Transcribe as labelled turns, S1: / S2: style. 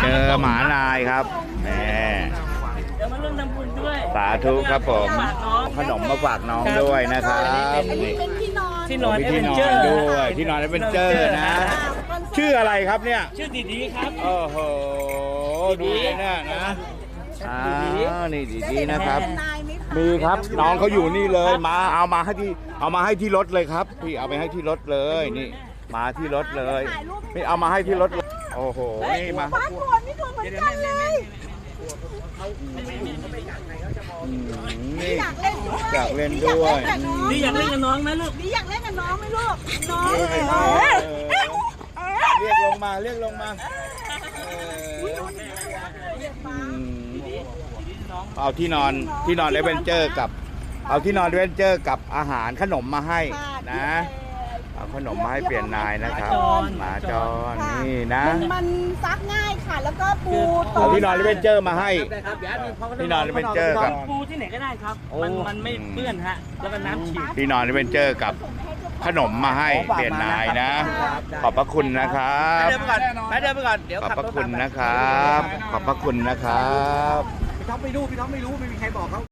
S1: เจอหมาลายครับแหม
S2: เดี๋ยวมาร่วมทำบุญด้วย
S1: สาธุครับผม
S2: ฝากน้อง
S1: ขนมมาฝากน้องด้วยนะครับ
S3: เป็นที่นอน
S2: ที่นอน
S1: มี
S2: เอ
S1: ที่
S2: เวน
S1: นอ
S2: เจอน ร์
S1: ด้วยที่นอนเป็นเจอร์นะ ชื่ออะไรครับเนี่ย
S2: ชื่อดีๆครับ
S1: โอ้โหดูเลยเนี่ยนะนี่ดีๆนะครับ
S3: นายไหมคะ
S1: มีครับน้องเขาอยู่นี่เลยมาเอามาให้ที่รถเลยครับพี่เอาไปให้ที่รถเลยนี่มาที่รถเลยนี่เอามาให้ที่รถเลยโอ้โหนี่มา
S3: บ้านโคนไม่ถูกเหมือนกันเลย
S1: อืมนี่
S3: อยากเล่นด้วย
S1: อยากเล่นด้วย
S2: นี่อยากเล่นกับน้องไหมลูก
S3: นี่อยากเล่นกับน้องไหมลูกน้อง
S1: เรียกลงมาเอาที่นอนเอเวนเจอร์กับเอาที่นอนเอเวนเจอร์กับอาหารขนมมาให้นะเอาขนมมาให้เปลี่ยนนายนะครับหมาจรนี่นะ
S3: มันซักง่ายค่ะแล้วก็ปู
S1: เอาที่นอนเอเวนเจอร์มาให้ที่นอนเอเวนเจอร์กับ
S2: ปูที่ไหนก็ได้ครับ มันไม่เปื้อนฮะ แล้วก็น้ำฉีด
S1: ที่นอนเอเวนเจอร์กับขนมมาให้เปลี่ยนนายนะ ขอบพระคุณนะครับ
S2: เดินไปก่อนเดี๋ยว
S1: ขอบ
S2: ขับ
S1: พระ
S2: รถ
S1: คุณ
S2: ตามไป
S1: นะครับ ขอบพระคุณนะครับ
S4: พี่ท็อปไม่รู้ไม่มีใครบอกเขา